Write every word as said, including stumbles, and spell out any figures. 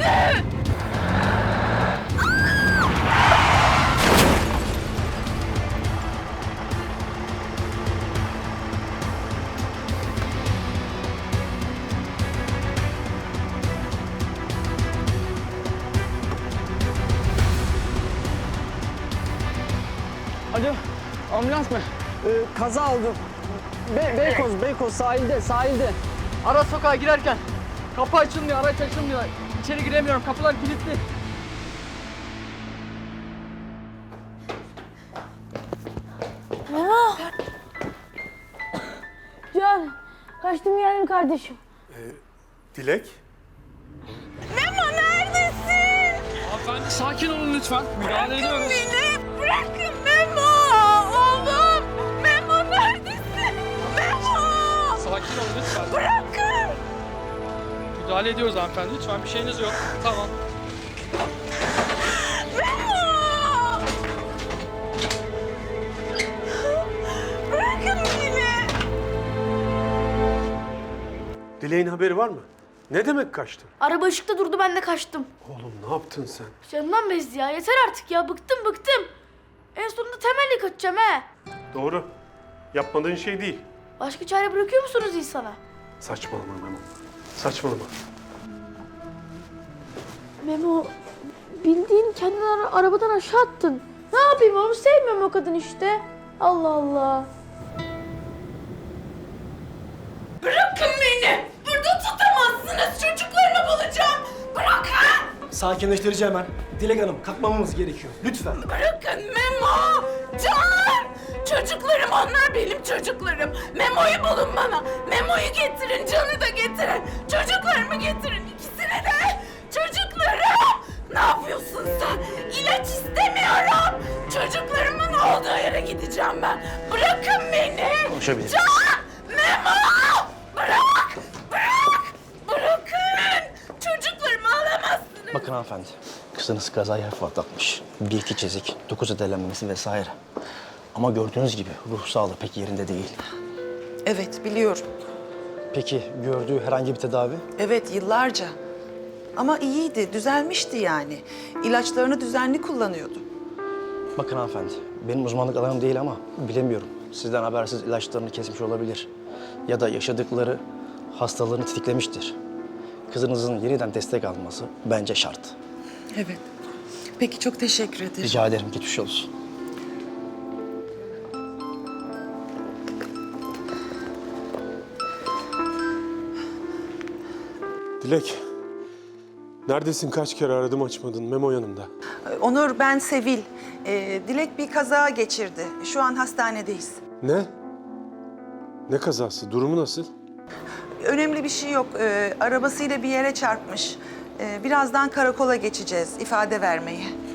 Alo, ambulans mı? Ee, kaza oldu. Be Beykoz, Beykoz sahilde, sahilde. Ara sokağa girerken kapı açılmıyor, araç açılmıyor. İçeri giremiyorum, kapılar kilitli. Memo! Can, kaçtım geldim kardeşim. Dilek? Memo neredesin? Hanımefendi sakin olun lütfen. Müdahale ediyoruz. Beni bırakın Memo! Oğlum! Memo neredesin? Memo! Sakin olun lütfen. Bırakın! Müdahale ediyoruz hanımefendi. Lütfen bir şeyiniz yok. Tamam. Memo! Bırakın beni! Dilek'in haberi var mı? Ne demek kaçtın? Araba ışıkta durdu, ben de kaçtım. Oğlum ne yaptın sen? Canımdan bezdi ya, yeter artık ya, bıktım bıktım. En sonunda temelli kaçacağım he. Doğru. Yapmadığın şey değil. Başka çare bırakıyor musunuz insana? Saçmalama Memo. Saçmalama. Memo, bildiğin kendini ara- arabadan aşağı attın. Ne yapayım oğlum, sevmiyorum o kadın işte. Allah Allah. Bırakın beni! Burada tutamazsınız, çocuklarımı bulacağım. Bırakın! Sakinleştirici hemen. Dilek Hanım, kalkmamamız gerekiyor. Lütfen. Bırakın Memo! Can! Çocuklarım, onlar benim çocuklarım. Memo'yu bulun bana. Memo'yu getirin, Can'ı da getirin. Çocuklarımı getirin, ikisini de. Çocuklarım! Ne yapıyorsun sen? İlaç istemiyorum. Çocuklarımın olduğu yere gideceğim ben. Bırakın beni. Konuşabiliriz. Can! Memo! Bırak! Bırak! Bırakın! Çocuklarımı alamazsınız. Bakın hanımefendi, kızınız kazayı hafif atlatmış. Bir iki çizik, dokuz edelenmesi vesaire. Ama gördüğünüz gibi ruh sağlığı pek yerinde değil. Evet, biliyorum. Peki gördüğü herhangi bir tedavi? Evet, yıllarca. Ama iyiydi, düzelmişti yani. İlaçlarını düzenli kullanıyordu. Bakın hanımefendi, benim uzmanlık alanım değil ama bilemiyorum. Sizden habersiz ilaçlarını kesmiş olabilir. Ya da yaşadıkları hastalığını tetiklemiştir. Kızınızın yeniden destek alması bence şart. Evet. Peki, çok teşekkür ederim. Rica ederim, geçmiş olsun. Dilek. Neredesin? Kaç kere aradım açmadın. Memo yanımda. Onur, ben Sevil. Ee, Dilek bir kaza geçirdi. Şu an hastanedeyiz. Ne? Ne kazası? Durumu nasıl? Önemli bir şey yok. Ee, arabasıyla bir yere çarpmış. Ee, birazdan karakola geçeceğiz ifade vermeye.